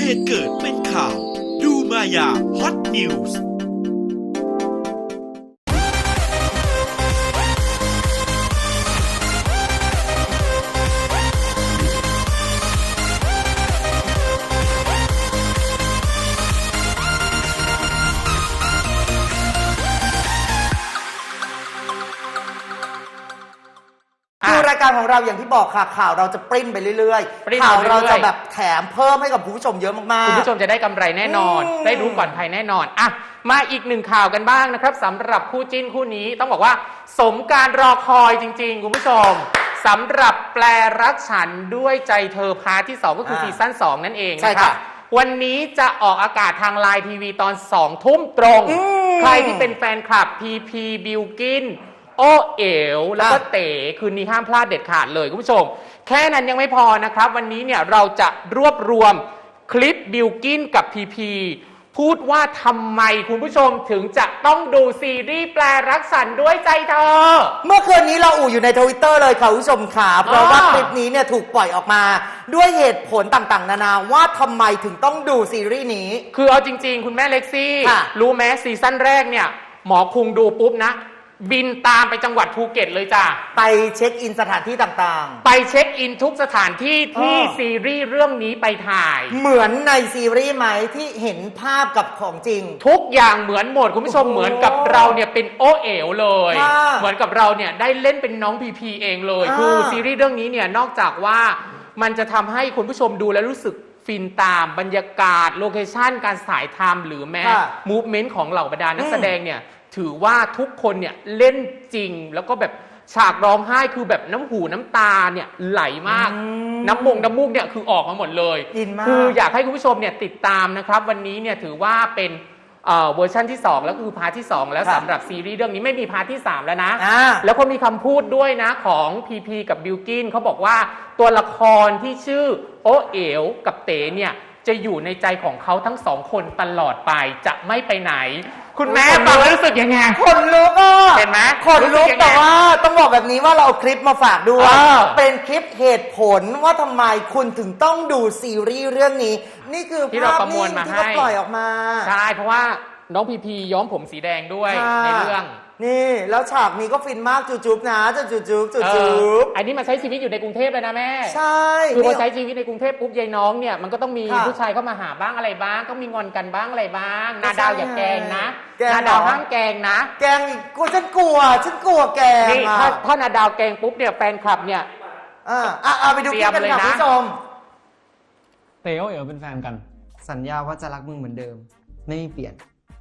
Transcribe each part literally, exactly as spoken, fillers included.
ตุเกิดเป็นข่าวดูมายาฮอตนิวส์คือรายการของเราอย่างที่บอกค่ะข่าวเราจะปริ้นไปเรื่อยๆข่าวเราจะแบบแถมเพิ่มให้กับคุณผู้ชมเยอะมากๆคุณผู้ชมจะได้กำไรแน่นอนได้รู้ก่อนใครแน่นอนอ่ะมาอีกหนึ่งข่าวกันบ้างนะครับสำหรับคู่จิ้นคู่นี้ต้องบอกว่าสมการรอคอยจริงๆคุณผู้ชมสำหรับแปลรักฉันด้วยใจเธอพาร์ทที่สองก็คือซีซั่นสองนั่นเองนะครับวันนี้จะออกอากาศทางไลน์ทีวีตอนสองทุ่มตรงใครที่เป็นแฟนคลับพีพีบิลกินโอเอ๋วแล้วก็เต๋คืนนี้ห้ามพลาดเด็ดขาดเลยคุณผู้ชมแค่นั้นยังไม่พอนะครับวันนี้เนี่ยเราจะรวบรวมคลิปบิลกินกับพีพีพูดว่าทำไมคุณผู้ชมถึงจะต้องดูซีรีส์แปลรักฉันด้วยใจเธอเมื่อคืนนี้เราอู่อยู่ในทวิตเตอร์เลยค่ะคุณผู้ชมค่ะเพราะว่าคลิปนี้เนี่ยถูกปล่อยออกมาด้วยเหตุผลต่างๆนานาว่าทำไมถึงต้องดูซีรีส์นี้คือเอาจริงๆคุณแม่เล็กซี่รู้ไหมซีซั่นแรกเนี่ยหมอคุงดูปุ๊บนะบินตามไปจังหวัดภูเก็ตเลยจ้ะไปเช็คอินสถานที่ต่างๆไปเช็คอินทุกสถานที่ที่ซีรีส์เรื่องนี้ไปถ่ายเหมือนในซีรีส์ไหมที่เห็นภาพกับของจริงทุกอย่างเหมือนหมดคุณผู้ชมเหมือนกับเราเนี่ยเป็นโอเอ๋วเลยเหมือนกับเราเนี่ยได้เล่นเป็นน้องพีพีเองเลยคือซีรีส์เรื่องนี้เนี่ยนอกจากว่ามันจะทำให้คุณผู้ชมดูแล้วรู้สึกฟินตามบรรยากาศโลเคชั่นการถ่ายทำหรือแม้มูฟเมนต์ของเหล่าบรรดานักแสดงเนี่ยถือว่าทุกคนเนี่ยเล่นจริงแล้วก็แบบฉากร้องไห้คือแบบน้ำหูน้ำตาเนี่ยไหลมากน้ำมงน้ำมูกเนี่ยคือออกมาหมดเลยคืออยากให้คุณผู้ชมเนี่ยติดตามนะครับวันนี้เนี่ยถือว่าเป็นเวอร์ชันที่สองแล้วคือพาร์ทที่สองแล้วสำหรับซีรีส์เรื่องนี้ไม่มีพาร์ทที่สามแล้วนะแล้วก็มีคำพูดด้วยนะของพีพีกับบิลกินเขาบอกว่าตัวละครที่ชื่อโอเอ๋วกับเต๋เนี่ยจะอยู่ในใจของเขาทั้งสองคนตลอดไปจะไม่ไปไหนคุณแม่ฟังแล้วรู้สึกยังไงคนลุกอ่ะเห็นไหมคนลุกแต่ว่าต้องบอกแบบนี้ว่าเราเอาคลิปมาฝากด้วยเป็นคลิปเหตุผลว่าทำไมคุณถึงต้องดูซีรีส์เรื่องนี้นี่คือที่เราประมวลมาให้ที่เขาปล่อยออกมาใช่เพราะว่าน้องพีพีย้อมผมสีแดงด้วยในเรื่องนี่แล้วฉากนี้ก็ฟินมากจูจุ๊บนะจูจุ๊บจูจุ๊บอันนี้มาใช้ชีวิตอยู่ในกรุงเทพเลยนะแม่ใช่คือพอใช้ชีวิตในกรุงเทพปุ๊บยายน้องเนี่ยมันก็ต้องมีผู้ชายเข้ามาหาบ้างอะไรบ้างก็มีงอนกันบ้างอะไรบ้างนาดาวอย่าแกงนะนาดาวห้ามแกงนะแกงอีกกูฉันกลัวฉันกลัวแกงนี่ถ้าถ้านาดาวแกงปุ๊บเนี่ยแฟนคลับเนี่ยอ่าอ่าไปดูคลิปกันค่ะคุณผู้ชมเต๋อเอ๋อเป็นแฟนกันสัญญาว่าจะรักมึงเหมือนเดิมไม่เปลี่ยน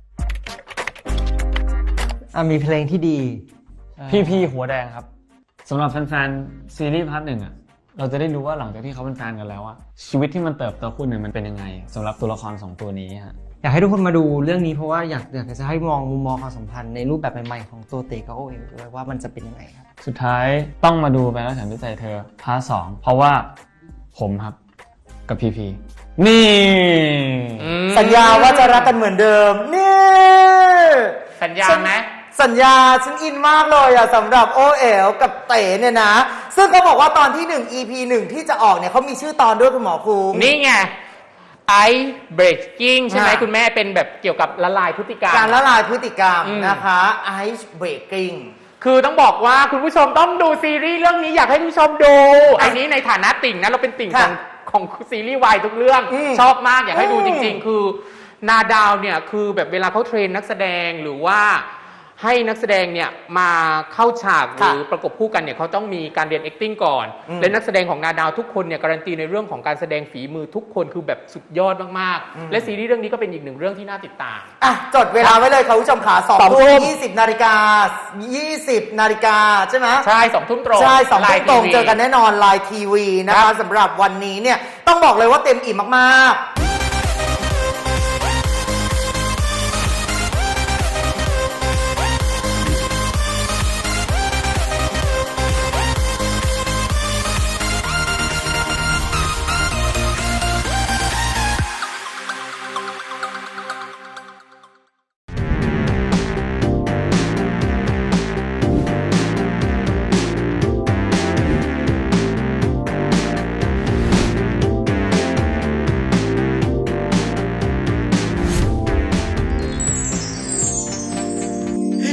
อ่ะมีเพลงที่ดีพี่พี่หัวแดงครับสำหรับแฟนๆซีรีส์พาร์ทหนึ่งอ่ะเราจะได้รู้ว่าหลังจากที่เขาเป็นแฟนกันแล้วอ่ะชีวิตที่มันเติบโตขึ้นเนี่ยมันเป็นยังไงสำหรับตัวละครสองตัวนี้ฮะอยากให้ทุกคนมาดูเรื่องนี้เพราะว่าอยากอยากจะให้มองมุมมองความสัมพันธ์ในรูปแบบใหม่ๆของตัวเต๋อกับโอเอ๋วด้วยว่ามันจะเป็นยังไงครับสุดท้ายต้องมาดูไปแล้วฉันด้วยใจเธอพาร์ทสองเพราะว่าผมครับกับพีพีนี่สัญญาว่าจะรักกันเหมือนเดิมนี่สัญญาไหมสัญญาฉันอินมากเลยอะสำหรับโอเอ๋วกับเต๋เนี่ยนะซึ่งเขาบอกว่าตอนที่หนึ่ง อี พี หนึ่งที่จะออกเนี่ยเขามีชื่อตอนด้วยคุณหมอคุงนี่ไง Ice Breaking ใช่ไหมคุณแม่เป็นแบบเกี่ยวกับละลายพฤติกรรมการละลายพฤติกรรมนะคะ Ice Breaking คือต้องบอกว่าคุณผู้ชมต้องดูซีรีส์เรื่องนี้อยากให้คุณผู้ชมดูอันนี้ในฐานะติ่งนะเราเป็นติ่งของของซีรีส์วายทุกเรื่องชอบมากอยากให้ดูจริงๆคือนาดาวเนี่ยคือแบบเวลาเขาเทรนนักแสดงหรือว่าให้นักแสดงเนี่ยมาเข้าฉากหรือประกบคู่กันเนี่ยเขาต้องมีการเรียน acting ก่อนและนักแสดงของนาดาวทุกคนเนี่ยการันตีในเรื่องของการแสดงฝีมือทุกคนคือแบบสุดยอดมากๆและซีรีส์เรื่องนี้ก็เป็นอีกหนึ่งเรื่องที่น่าติดตามอ่ะจดเวลาไว้เลยค่ะคุณผู้ชมขาสองทุ่มยี่สิบนาฬิกายี่สิบนาฬิกาใช่ไหมใช่สองทุ่มตรงใช่สองทุ่มตรงเจอกันแน่นอนไลน์ทีวีนะคะสำหรับวันนี้เนี่ยต้องบอกเลยว่าเต็มอิ่มมากๆ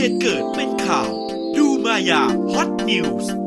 เหตุเกิดเป็นข่าว ดูมายาฮอตนิวส์